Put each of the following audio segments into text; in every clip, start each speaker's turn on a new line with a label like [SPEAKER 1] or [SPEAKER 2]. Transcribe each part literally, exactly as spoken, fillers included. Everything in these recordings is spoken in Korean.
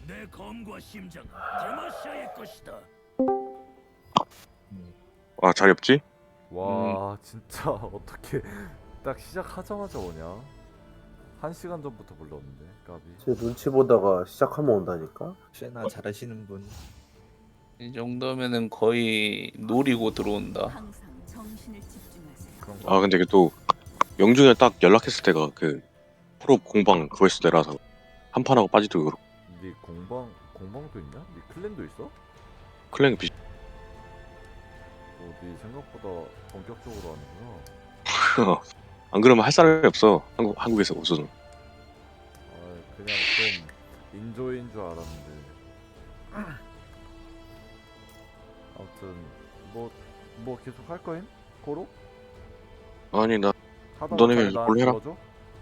[SPEAKER 1] 내 검과 심장은 데마시아의 것이다.
[SPEAKER 2] 아 자리 없지?
[SPEAKER 3] 와 진짜 어떻게 딱 시작하자마자 오냐? 한 시간 전부터 불렀는데 까비.
[SPEAKER 4] 제 눈치 보다가 시작하면 온다니까.
[SPEAKER 5] 세나 잘하시는 분.
[SPEAKER 6] 이 정도면은 거의 노리고 들어온다.
[SPEAKER 7] 항상 정신을 집중하세요.
[SPEAKER 3] 그런 거.
[SPEAKER 2] 아 근데 이게 또 영준이 딱 연락했을 때가 그 프로 공방 그거 했을 때라서 한 판하고 빠지도 그렇고
[SPEAKER 3] 네 공방 공방도 있냐? 네 클랜도 있어?
[SPEAKER 2] 클랭 비
[SPEAKER 3] 어, 네 생각보다 본격적으로 하는구나.
[SPEAKER 2] 안 그러면 할 사람이 없어. 한국 한국에서 우선.
[SPEAKER 3] 아 그냥 좀 인조인 줄 알았는데. 아무튼 뭐 뭐 계속 할 거임? 고로?
[SPEAKER 2] 아니 나
[SPEAKER 3] 하다가
[SPEAKER 2] 너네
[SPEAKER 3] 잘 나한테
[SPEAKER 2] 뭘 해라.
[SPEAKER 3] 넣어줘?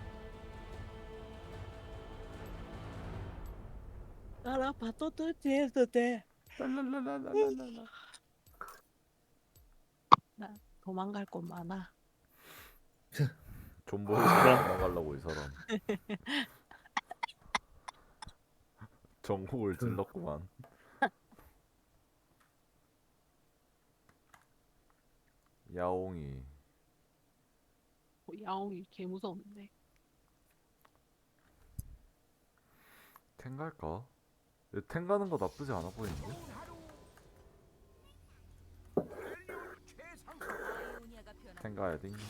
[SPEAKER 8] 알아봐도 돼도 돼.
[SPEAKER 3] 랄랄랄랄랄랄라.
[SPEAKER 8] 나 도망갈 곳 많아.
[SPEAKER 3] 존버를 도망가려고 이 사람. 전국을 찔렀구만. 야옹이.
[SPEAKER 8] 어, 야옹이 개 무서운데.
[SPEAKER 3] 탱 갈까? 탱 가는 거 나쁘지 않아 보이는데? 탱 가야 돼.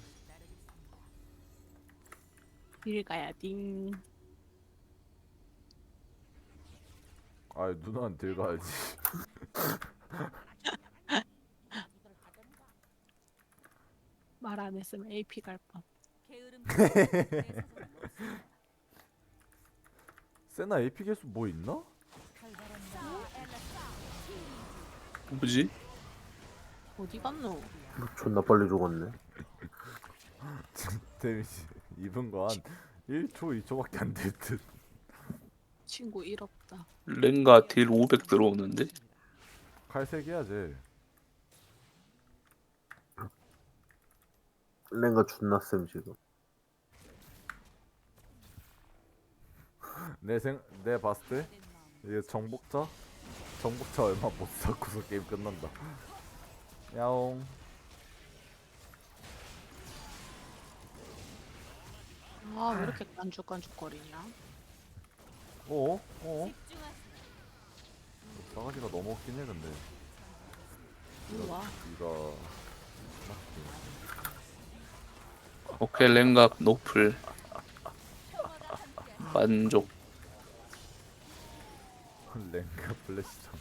[SPEAKER 8] 길 가야 띵.
[SPEAKER 3] 아 누나는 딜 가야지.
[SPEAKER 8] 말 안 했으면 에이피 갈 뻔.
[SPEAKER 3] 세나 에이피 개수 뭐 있나?
[SPEAKER 6] 뭐지?
[SPEAKER 8] 어디 갔노?
[SPEAKER 4] 존나 빨리 죽었네.
[SPEAKER 3] 데미지 입은 거 한 일 초, 이 초밖에 안 될 듯.
[SPEAKER 8] 친구 일 없다.
[SPEAKER 6] 랭가 딜 오백 들어오는데?
[SPEAKER 3] 칼색 해야지.
[SPEAKER 4] 랭가 존나 쌤 지금.
[SPEAKER 3] 내 생, 내 봤을 때 이게 정복자? 정복자 얼마 못 쌓고서 게임 끝난다. 야옹.
[SPEAKER 8] 아 왜 이렇게 깐죽깐죽거리냐?
[SPEAKER 3] 어? 어? 싸가지가 너무 없긴 해 근데.
[SPEAKER 8] 이리 와.
[SPEAKER 3] 이거
[SPEAKER 6] 오케이 랭가 노플. 만족.
[SPEAKER 3] 랭가 플래시전.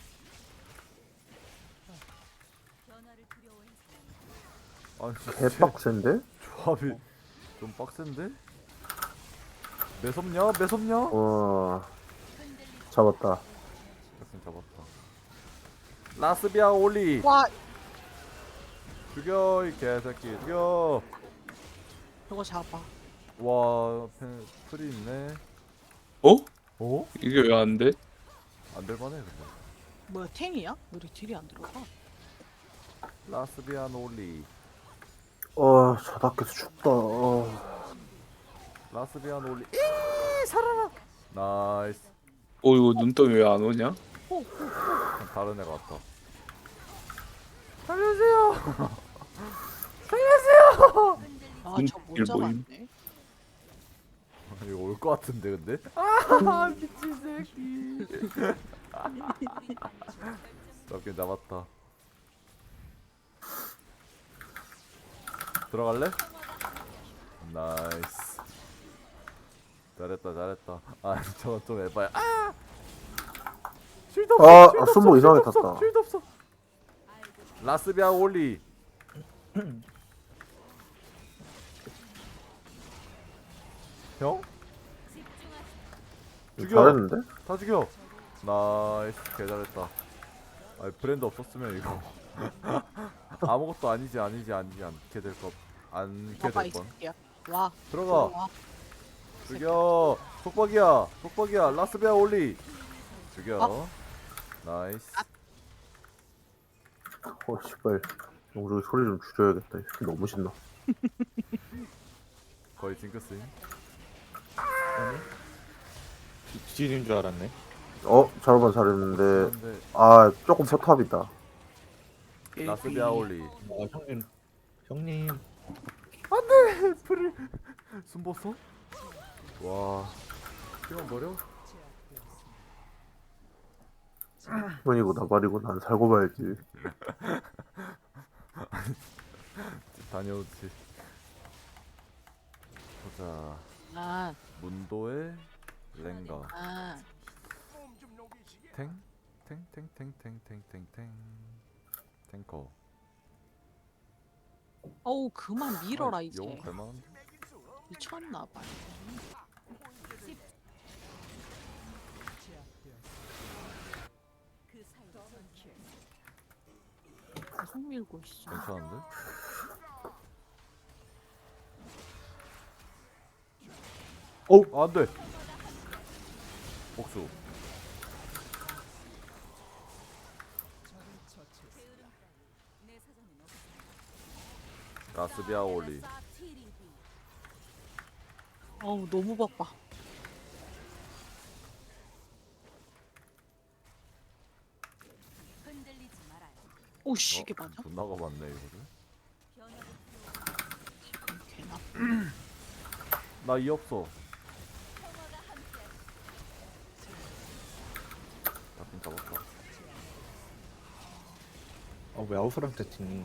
[SPEAKER 3] 아니 진짜
[SPEAKER 4] 개빡센데?
[SPEAKER 3] 조합이 좀 빡센데? 매섭냐? 매섭냐?
[SPEAKER 4] 와 잡았다.
[SPEAKER 3] 됐음 잡았다. 라스비아 올리
[SPEAKER 8] 와
[SPEAKER 3] 죽여 이 개새끼 죽여.
[SPEAKER 8] 이거 잡아.
[SPEAKER 3] 와 펜, 풀이 있네.
[SPEAKER 6] 어?
[SPEAKER 3] 어?
[SPEAKER 6] 이게 왜 안 돼?
[SPEAKER 3] 안될만해 근데.
[SPEAKER 8] 뭐야 탱이야? 왜 이렇게 딜이 안 들어가?
[SPEAKER 3] 라스비아 올리
[SPEAKER 4] 어 자다께서 죽다. 어.
[SPEAKER 3] 라스비아 올리 이 살아라. 나이스.
[SPEAKER 6] 어 이거 눈덩이 왜 안 오냐?
[SPEAKER 3] 다른 애가 왔다. 살려주세요. 살려주세요.
[SPEAKER 8] 아저
[SPEAKER 6] 일
[SPEAKER 8] 못
[SPEAKER 6] 모임.
[SPEAKER 8] 잡았네.
[SPEAKER 3] 이거 올 것 같은데 근데? 아 미친 새끼. 잡긴 잡았다. 들어갈래? 나이스. 잘했다 잘했다. 아 저건 좀 에바야. 아! 쉴드 없어.
[SPEAKER 4] 아,
[SPEAKER 3] 쉴드
[SPEAKER 4] 아,
[SPEAKER 3] 없어,
[SPEAKER 4] 순보
[SPEAKER 3] 쉴드
[SPEAKER 4] 이상하게
[SPEAKER 3] 없어,
[SPEAKER 4] 탔다.
[SPEAKER 3] 쉴드 없어. 라스비아 올리. 형? 죽여.
[SPEAKER 4] 잘했는데?
[SPEAKER 3] 다 죽여. 나이스 개 잘했다. 아 브랜드 없었으면 이거 아무것도 아니지 아니지 아니지 않게 될 것. 않게
[SPEAKER 8] 봐봐
[SPEAKER 3] 될
[SPEAKER 8] 이
[SPEAKER 3] 뻔.
[SPEAKER 8] 새끼야. 와
[SPEAKER 3] 들어가.
[SPEAKER 8] 들어와.
[SPEAKER 3] 죽여. 속박이야. 속박이야. 라스베아 올리. 죽여.
[SPEAKER 8] 어?
[SPEAKER 3] 나이스.
[SPEAKER 4] 어 씨발. 영국이 소리 좀 줄여야겠다. 이 새끼 너무 신나.
[SPEAKER 3] 거의 징크스임.
[SPEAKER 5] 뒤지는 줄 알았네.
[SPEAKER 4] 어 자르반 잘했는데
[SPEAKER 3] 근데
[SPEAKER 4] 아 조금 포탑이다.
[SPEAKER 3] 라스비아 올리.
[SPEAKER 5] 아 형님 형님
[SPEAKER 3] 숨었어? 와. 피만 버려?
[SPEAKER 4] 형이고 나발이고 난 살고 봐야지.
[SPEAKER 3] 다녀오지. 보자.
[SPEAKER 8] 아,
[SPEAKER 3] 문도의 랭가.
[SPEAKER 8] 아.
[SPEAKER 3] 탱? 탱? 탱? 탱? 탱? 탱? 탱? 탱? 탱커.
[SPEAKER 8] 어우, 그만 밀어라, 이제.
[SPEAKER 3] 용 갈만한데?
[SPEAKER 8] 미쳤나봐. 계속 밀고 있어.
[SPEAKER 3] 괜찮은데? 어, 안 돼. 복수. 라스비아 올리.
[SPEAKER 8] 어우, 너무 바빠. 오씨, 이게 맞아?
[SPEAKER 3] 못 나가봤네 이거를.
[SPEAKER 8] 개나.
[SPEAKER 3] 나 이 없어. 잡긴 잡았다.
[SPEAKER 5] 아왜 아웃프랑 세팅이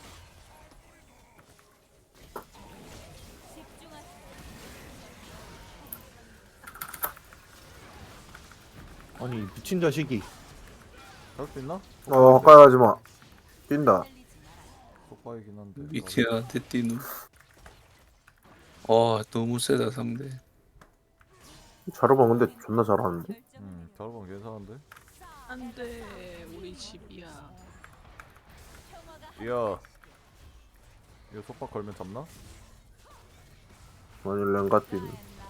[SPEAKER 5] 아니 미친 자식이
[SPEAKER 3] 잡을 수 있나?
[SPEAKER 4] 어 가까이 하지 마. 뛴다.
[SPEAKER 3] 속바이긴 한데.
[SPEAKER 6] 미티한테 뛰는. 와 너무 세다 상대.
[SPEAKER 4] 자르반 근데 존나 잘하는데.
[SPEAKER 3] 음, 자르반 괜찮은데?
[SPEAKER 8] 안 돼, 우리 집이야.
[SPEAKER 3] 야, 이거 속박 걸면 잡나?
[SPEAKER 4] 아니 랭가 뛰니.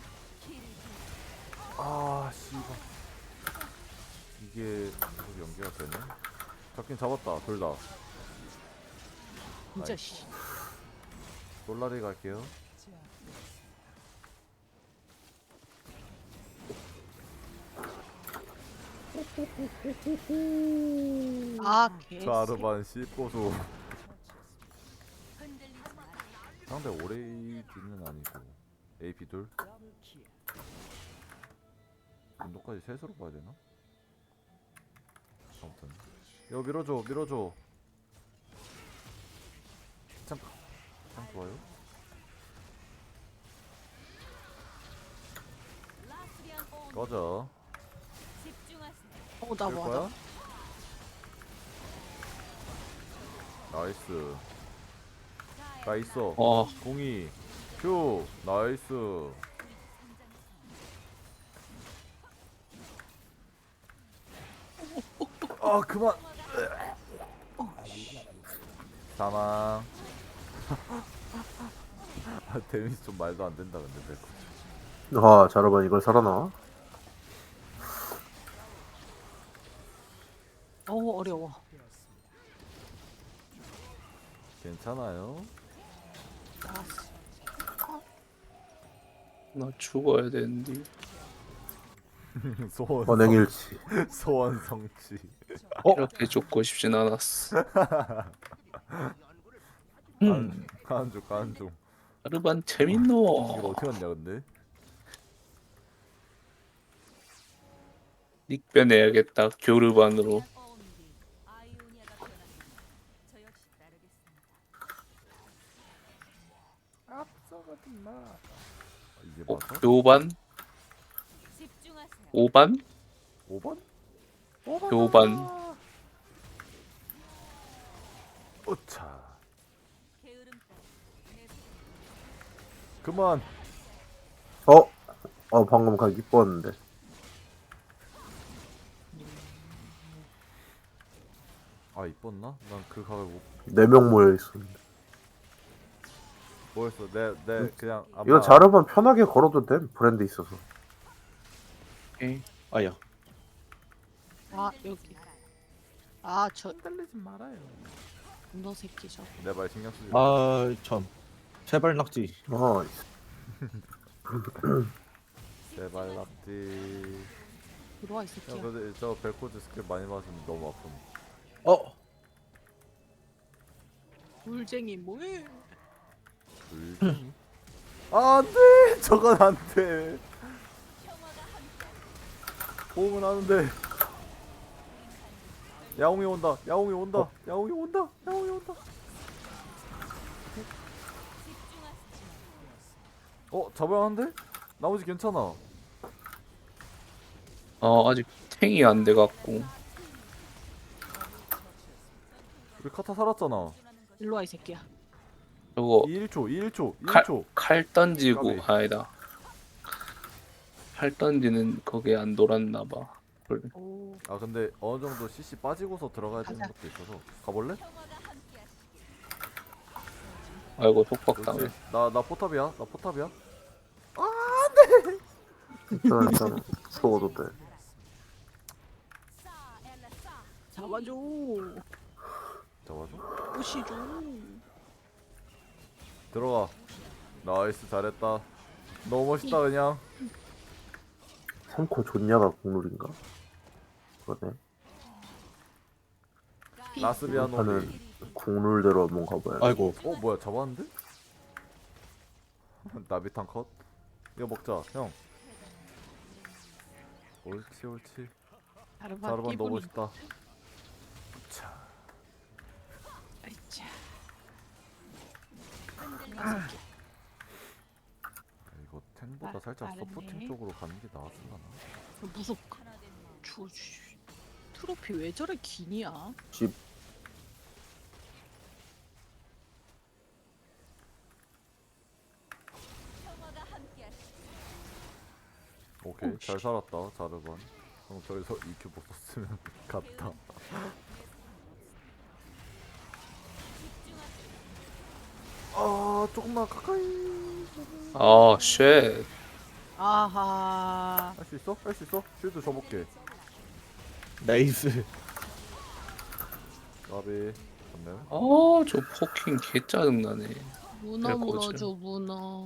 [SPEAKER 3] 아, 씨발. 이게 계속 연계가 되네. 잡긴 잡았다, 둘 다.
[SPEAKER 8] 진짜
[SPEAKER 3] 아이.
[SPEAKER 8] 씨.
[SPEAKER 3] 솔라리 갈게요.
[SPEAKER 8] 아, 개.
[SPEAKER 3] 자르반 씹고수. 상대 오레이디는 아니고 에이피 둘. 운동까지 셋으로 봐야 되나? 아무튼 이거 밀어줘, 밀어줘. 참, 참 좋아요. 꺼져.
[SPEAKER 8] 어, 나
[SPEAKER 3] 될
[SPEAKER 8] 뭐
[SPEAKER 3] 거야?
[SPEAKER 8] 하다.
[SPEAKER 3] 나이스. 나 있어.
[SPEAKER 6] 어
[SPEAKER 3] 공이. 큐. 나이스. 아 그만. 사망. 아, 데미지 좀 말도 안 된다 근데 내
[SPEAKER 4] 아 자르반 이걸 살아나?
[SPEAKER 8] 어우, 어려워.
[SPEAKER 3] 괜찮아요.
[SPEAKER 8] 알았어.
[SPEAKER 6] 나 죽어야 되는데.
[SPEAKER 3] 소원
[SPEAKER 4] 언행일치.
[SPEAKER 3] 소원 성취.
[SPEAKER 6] 이렇게 죽고 싶진 않았어.
[SPEAKER 5] 음
[SPEAKER 3] 가는 중 가는 중.
[SPEAKER 6] 자르반
[SPEAKER 3] 이거
[SPEAKER 6] 재밌노.
[SPEAKER 3] 어떻게 왔냐 근데?
[SPEAKER 6] 닉변 해야겠다 교르반으로.
[SPEAKER 3] 앞서가지 마. 아, 이게
[SPEAKER 6] 어,
[SPEAKER 3] 맞아?
[SPEAKER 6] 교반? 오반?
[SPEAKER 3] 오 번?
[SPEAKER 6] 교반.
[SPEAKER 3] 오차. 그만.
[SPEAKER 4] 어? 어 방금 가기 이뻤는데.
[SPEAKER 3] 아 이뻤나? 난 그 각을 못
[SPEAKER 4] 네 명 모여 있었는데.
[SPEAKER 3] 뭐였어? 내 내 그냥 아마
[SPEAKER 4] 이거 자르반 편하게 걸어도 돼. 브랜드 있어서.
[SPEAKER 6] 오케이.
[SPEAKER 5] 아야
[SPEAKER 8] 아, 여기. 아, 저
[SPEAKER 3] 흔들리지 말아요.
[SPEAKER 8] 너 새끼 저거.
[SPEAKER 3] 내 말 신경 쓰지.
[SPEAKER 5] 아참 제발 낙지
[SPEAKER 4] 어.
[SPEAKER 3] 제발 낙지.
[SPEAKER 8] 들어와 이
[SPEAKER 3] 야
[SPEAKER 8] 새끼야.
[SPEAKER 3] 근데 저 벨코즈 스킬 많이 맞으면 너무 아픔.
[SPEAKER 5] 어
[SPEAKER 8] 물쟁이 뭐해?
[SPEAKER 3] 불. 아 안돼. 저건 안돼. 호응은 하는데. 야옹이 온다. 야옹이 온다. 야옹이 온다. 야옹이 온다. 어 잡아야 하는데? 나머지 괜찮아.
[SPEAKER 6] 어 아직 탱이 안 돼갖고.
[SPEAKER 3] 우리 카타 살았잖아.
[SPEAKER 8] 일로 와 이 새끼야.
[SPEAKER 6] 저거
[SPEAKER 3] 일 초, 일 초,
[SPEAKER 6] 칼,
[SPEAKER 3] 일 초.
[SPEAKER 6] 칼 던지고
[SPEAKER 3] 까비.
[SPEAKER 6] 아니다. 칼 던지는 거기에 안 돌았나봐.
[SPEAKER 8] 오.
[SPEAKER 3] 아 근데 어느 정도 씨씨 빠지고서 들어가야 되는
[SPEAKER 8] 가자.
[SPEAKER 3] 것도 있어서 가볼래?
[SPEAKER 6] 아이고 속박 당해.
[SPEAKER 3] 그렇지. 나나 포탑이야. 나 포탑이야.
[SPEAKER 4] 괜찮아 괜찮아. 죽어도 돼.
[SPEAKER 8] 잡아줘.
[SPEAKER 3] 잡아줘.
[SPEAKER 8] 오시줘.
[SPEAKER 3] 들어가. 나이스 잘했다. 너무 멋있다 그냥.
[SPEAKER 4] 삼 코 좋냐가 국룰인가? 그러네.
[SPEAKER 3] 라스비아노.
[SPEAKER 4] 하는 국룰대로 한번 가봐야 돼.
[SPEAKER 5] 아이고
[SPEAKER 3] 어 뭐야 잡았는데? 나비탄 컷. 이거 먹자 형. 옳지 옳지.
[SPEAKER 8] 자르반
[SPEAKER 3] 자르반 너무
[SPEAKER 8] 이분이.
[SPEAKER 3] 멋있다. 자.
[SPEAKER 8] 아이차.
[SPEAKER 3] 이거 탱보다
[SPEAKER 8] 아,
[SPEAKER 3] 살짝
[SPEAKER 8] 빠르네.
[SPEAKER 3] 서포팅 쪽으로 가는 게 나았을라나?
[SPEAKER 8] 무섭. 주 트로피 왜 저래 기냐?
[SPEAKER 4] 집
[SPEAKER 3] 오케이
[SPEAKER 8] 오,
[SPEAKER 3] 잘
[SPEAKER 8] 씨.
[SPEAKER 3] 살았다 자르반. 형 저기서 이큐 못 썼으면 갔다. 아 조금만 가까이.
[SPEAKER 6] 아 쉣.
[SPEAKER 8] 아하.
[SPEAKER 3] 할 수 있어? 할 수 있어? 쉴드 줘볼게.
[SPEAKER 5] 나이스.
[SPEAKER 3] 나비 좋네.
[SPEAKER 6] 아저 포킹 개 짜증나네.
[SPEAKER 8] 문어
[SPEAKER 6] 네,
[SPEAKER 8] 물어줘 문어.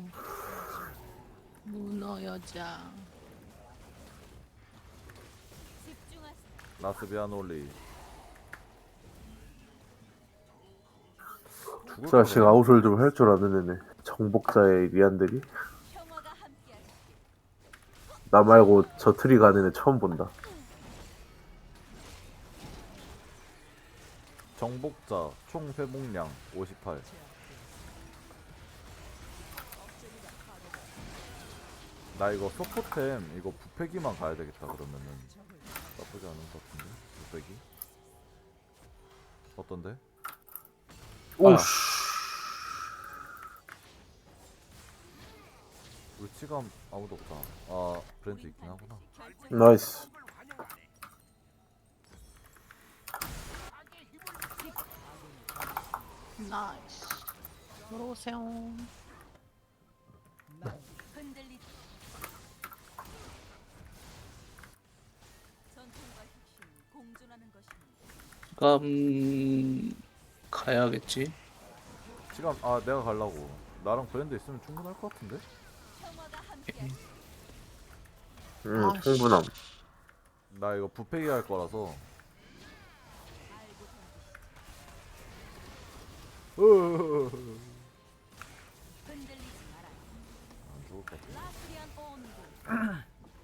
[SPEAKER 8] 문어 여자.
[SPEAKER 3] 라스비아놀리. 죽을
[SPEAKER 4] 자식
[SPEAKER 3] 거야.
[SPEAKER 4] 아웃을 좀 할 줄 아는 애네. 정복자의 리안들이. 나 말고 저 트리 가는 애 처음 본다.
[SPEAKER 3] 정복자 총 회복량 오십팔. 나 이거 서포템 이거 부패기만 가야 되겠다 그러면은 나쁘지 않은 것 같은데 부패기 어떤데?
[SPEAKER 4] 오씨.
[SPEAKER 3] 울치감 아무도 없다. 아 브랜드 있긴 하구나.
[SPEAKER 4] 나이스.
[SPEAKER 8] 나이스. 들어오세요.
[SPEAKER 7] 흔들리. 전통과 혁신 공존하는 것입니다.
[SPEAKER 6] 음 가야겠지.
[SPEAKER 3] 시간 아 내가 가려고. 나랑 브랜드 있으면 충분할 것 같은데?
[SPEAKER 4] 응
[SPEAKER 8] 아,
[SPEAKER 4] 충분함.
[SPEAKER 3] 나 이거 부패기 할 거라서. 으으으으으.
[SPEAKER 7] 흔들리지 마라.
[SPEAKER 3] 안 죽을 것 같아.
[SPEAKER 7] 라스리안 온도.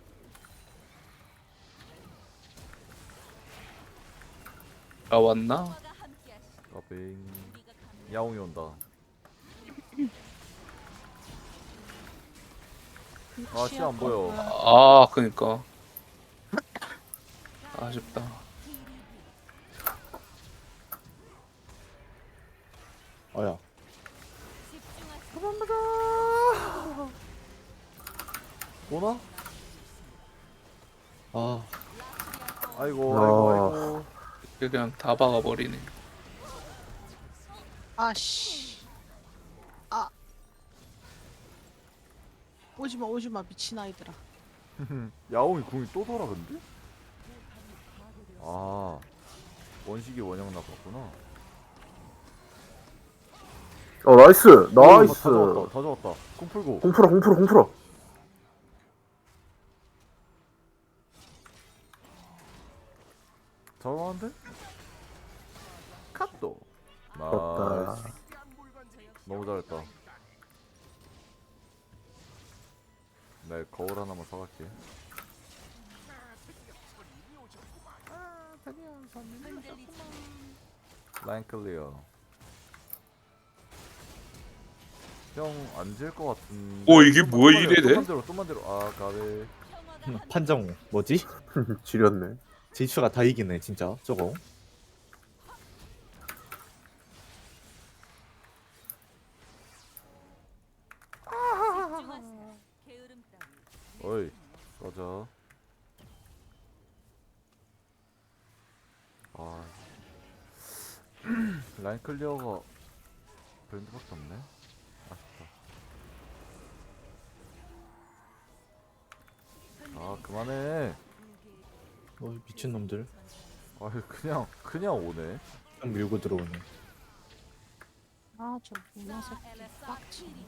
[SPEAKER 6] 아 왔나?
[SPEAKER 7] 화가 함께하시.
[SPEAKER 3] 까빙.
[SPEAKER 7] 우리가 가는
[SPEAKER 3] 야옹이 온다. 아, 씨 안 보여.
[SPEAKER 6] 아 그니까. 아쉽다.
[SPEAKER 5] 아야.
[SPEAKER 3] 오나?
[SPEAKER 5] 아
[SPEAKER 3] 아이고,
[SPEAKER 4] 아.
[SPEAKER 3] 아이고, 아이고.
[SPEAKER 6] 그냥 다 박아버리네.
[SPEAKER 8] 아씨. 아. 오지마 오지마 미친 아이들아.
[SPEAKER 3] 야옹이 궁이 또 돌아, 근데? 아. 원식이 원형 나갔구나.
[SPEAKER 4] 어 나이스. 나이스.
[SPEAKER 3] 다 잡았다, 다 잡았다. 궁 풀고.
[SPEAKER 4] 공풀어 공풀어 공풀어.
[SPEAKER 3] 잘하는데? 컷도.
[SPEAKER 4] 떴다.
[SPEAKER 3] 나이스. 너무 잘했다. 네, 거울 하나만 사갈게. 라인 클리어. 형 안 질 것 같은데.
[SPEAKER 6] 오, 이게
[SPEAKER 3] 좀만-
[SPEAKER 6] 뭐야,
[SPEAKER 3] 좀만
[SPEAKER 6] 이래
[SPEAKER 3] 내려,
[SPEAKER 6] 돼?
[SPEAKER 3] 좀만 들어, 좀만 들어. 아, 가비.
[SPEAKER 5] 판정 뭐지?
[SPEAKER 4] 지렸네.
[SPEAKER 5] 제이추가 다 이기네 진짜 저거.
[SPEAKER 7] 집중하세요. 게으름 따위.
[SPEAKER 3] 어이, 꺼져. 아, 라인 클리어가 브랜드밖에 없네. 아쉽다. 아, 그만해.
[SPEAKER 5] 어 미친 놈들.
[SPEAKER 3] 아, 그냥 그냥 오네.
[SPEAKER 5] 그냥 밀고 들어오네.
[SPEAKER 8] 아저 문화석 빡치네.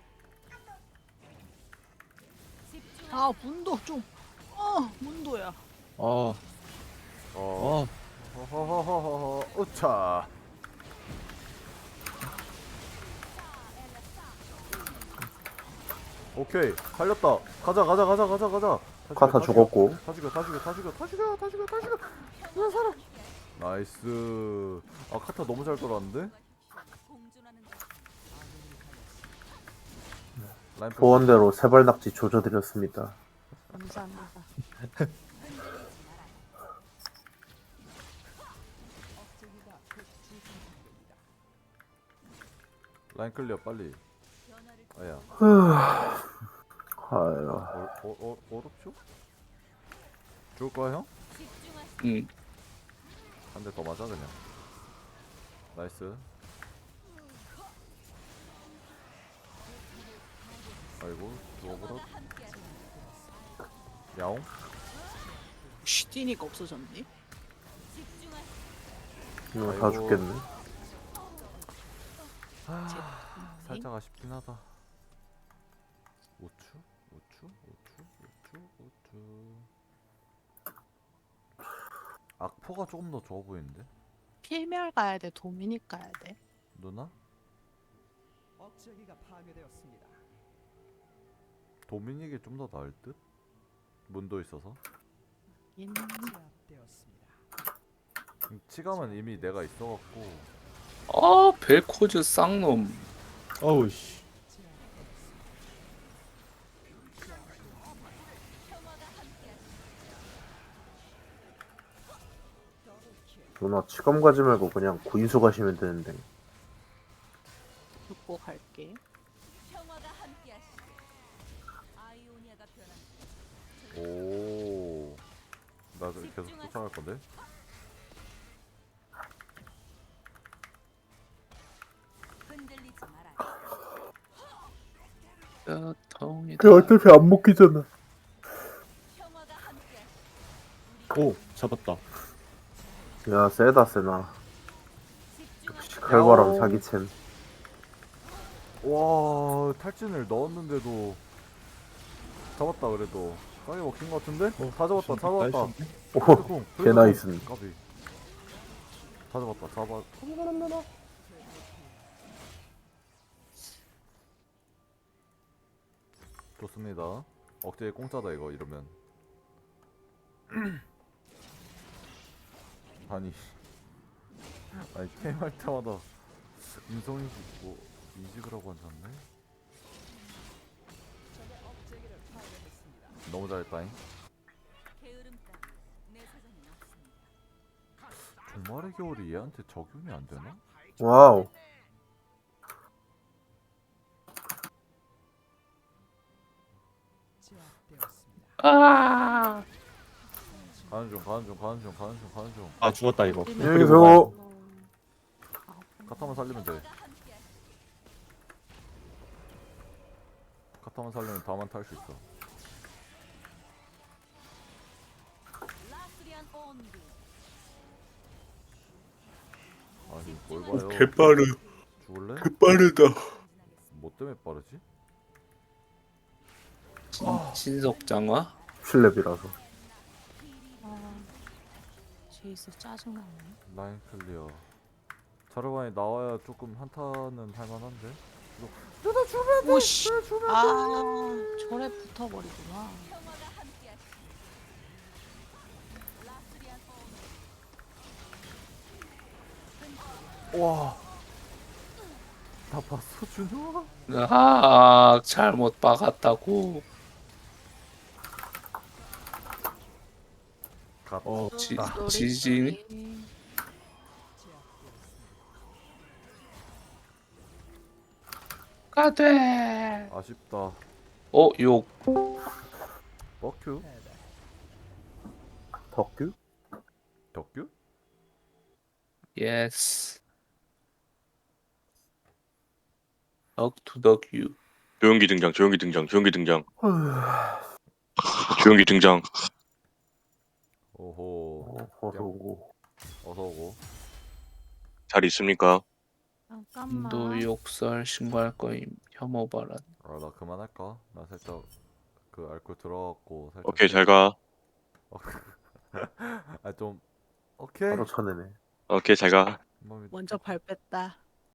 [SPEAKER 8] 아 문도 좀. 어 문도야.
[SPEAKER 5] 아,
[SPEAKER 3] 어,
[SPEAKER 5] 아,
[SPEAKER 3] 허허허허허, 우차. 오케이, 살렸다. 가자, 가자, 가자, 가자, 가자. 다
[SPEAKER 4] 카타
[SPEAKER 3] 죽여,
[SPEAKER 4] 죽었고.
[SPEAKER 3] 다 죽여, 다 죽여, 다 죽여, 다 죽여, 다 죽여, 다 죽여. 나 살아. 나이스. 아, 카타 너무 잘 돌았는데?
[SPEAKER 7] 공존하는 것.
[SPEAKER 3] 라인
[SPEAKER 4] 소원대로 세발낙지 조져드렸습니다.
[SPEAKER 8] 감사합니다.
[SPEAKER 3] 라인 클리어 빨리. 아야.
[SPEAKER 4] 아유.
[SPEAKER 3] 어, 어, 어, 어렵죠? 죽을 거야 형?
[SPEAKER 6] 응.
[SPEAKER 3] 한 대 더 맞아 그냥. 나이스. 아이고 죽어버려. 야옹.
[SPEAKER 8] 슈티니가 없어졌네.
[SPEAKER 4] 이거 다
[SPEAKER 3] 아이고.
[SPEAKER 4] 죽겠네.
[SPEAKER 3] 살짝 아쉽긴 하다. 오추? 오추? 오추? 오추? 오추. 악포가 조금 더 좋아 보이는데?
[SPEAKER 8] 필멸 가야 돼. 도미닉 가야 돼.
[SPEAKER 3] 누나?
[SPEAKER 9] 억제기가 파괴되었습니다.
[SPEAKER 3] 도미닉이 좀 더 나을 듯? 문도 있어서.
[SPEAKER 8] 인
[SPEAKER 9] 제압되었습니다.
[SPEAKER 3] 음, 치감은 이미 내가 있어갖고.
[SPEAKER 6] 아, 벨코즈 쌍놈.
[SPEAKER 5] 어우 씨.
[SPEAKER 4] 누나 치검 가지 말고 그냥 구인수 가시면 되는데.
[SPEAKER 8] 듣고 갈게.
[SPEAKER 7] 평화가 함께하시길. 아이오니아가 변한.
[SPEAKER 3] 오. 나 계속 쫓아갈 건데?
[SPEAKER 7] 흔들리지 마라.
[SPEAKER 6] 야, 덩이다.
[SPEAKER 4] 그 어차피 안 먹히잖아.
[SPEAKER 7] 평화가 함께하시길.
[SPEAKER 5] 오 잡았다.
[SPEAKER 4] 야 세다 세나.
[SPEAKER 7] 집중하세요.
[SPEAKER 4] 역시 칼바람 사기챔.
[SPEAKER 3] 와, 탈진을 넣었는데도 잡았다 그래도. 까비 먹힌 것 같은데?
[SPEAKER 5] 어,
[SPEAKER 3] 다 잡았다, 다 잡았다.
[SPEAKER 5] 나이스인데?
[SPEAKER 4] 오,
[SPEAKER 3] 블랙콩,
[SPEAKER 4] 개
[SPEAKER 3] 블랙콩.
[SPEAKER 4] 나이스.
[SPEAKER 3] 까비. 다 잡았다, 잡아. 좋습니다. 억제에 공짜다 이거 이러면. 아니, 아니 게임 할 때마다 인성이 뭐 이직을 하고 앉았네. 너무 잘했다잉.
[SPEAKER 7] 게으름 따위. 내 사정이 없습니다.
[SPEAKER 3] 종말의 겨울이 얘한테 적용이 안 되나?
[SPEAKER 4] 와우.
[SPEAKER 9] 제압되었습니다.
[SPEAKER 6] 아,
[SPEAKER 3] 가는 중, 가는 중, 가는 중, 가는 중, 가는 중.
[SPEAKER 5] 아 죽었다 이거.
[SPEAKER 4] 안녕히 계세요.
[SPEAKER 3] 카타만 살리면 돼. 카타만 살리면 다만 탈 수 있어.
[SPEAKER 7] 라스리안 온비.
[SPEAKER 3] 아니 뭘 봐요?
[SPEAKER 6] 개빠르.
[SPEAKER 3] 죽을래?
[SPEAKER 6] 개빠르다.
[SPEAKER 3] 뭐 때문에 빠르지?
[SPEAKER 6] 신속장화?
[SPEAKER 4] 칠렙이라서.
[SPEAKER 8] 아, 제이스 짜증나네.
[SPEAKER 3] 라인 클리어. 자르반이 나와야 조금 한타는 할만한데. 누나 주면 돼.
[SPEAKER 8] 오씨.
[SPEAKER 3] 누나 주면
[SPEAKER 8] 아
[SPEAKER 3] 돼.
[SPEAKER 8] 절에 붙어버리구나.
[SPEAKER 7] 평화가 함께하시. 라스리안 오너.
[SPEAKER 3] 와. 다 봤어 준호아?
[SPEAKER 6] 아 잘못 박았다고.
[SPEAKER 3] 갓.
[SPEAKER 5] 어,
[SPEAKER 6] 지,
[SPEAKER 8] 쏘리,
[SPEAKER 6] 지진이?
[SPEAKER 8] 쏘리.
[SPEAKER 6] 가돼.
[SPEAKER 3] 아쉽다.
[SPEAKER 6] 어 욕.
[SPEAKER 3] 버큐?
[SPEAKER 4] 덕규?
[SPEAKER 3] 덕규?
[SPEAKER 6] 예스. 덕투덕유.
[SPEAKER 2] 조용기 등장, 조용기 등장, 조용기 등장, 조용기 등장.
[SPEAKER 3] 오호.
[SPEAKER 4] 어, 어서 오고.
[SPEAKER 3] 어서 오고.
[SPEAKER 2] 잘 있습니까?
[SPEAKER 8] 잠깐만.
[SPEAKER 6] 너 욕설 신고할 거임. 혐오 발언.
[SPEAKER 3] 아 나 그만할까? 나 살짝 그 알코올 들어갔고 살짝.
[SPEAKER 2] 오케이, 잘 가.
[SPEAKER 3] 아좀 오케이.
[SPEAKER 4] 바로 쳐내네.
[SPEAKER 2] 오케이, 잘 가.
[SPEAKER 3] 뭐,
[SPEAKER 8] 먼저 발 뺐다.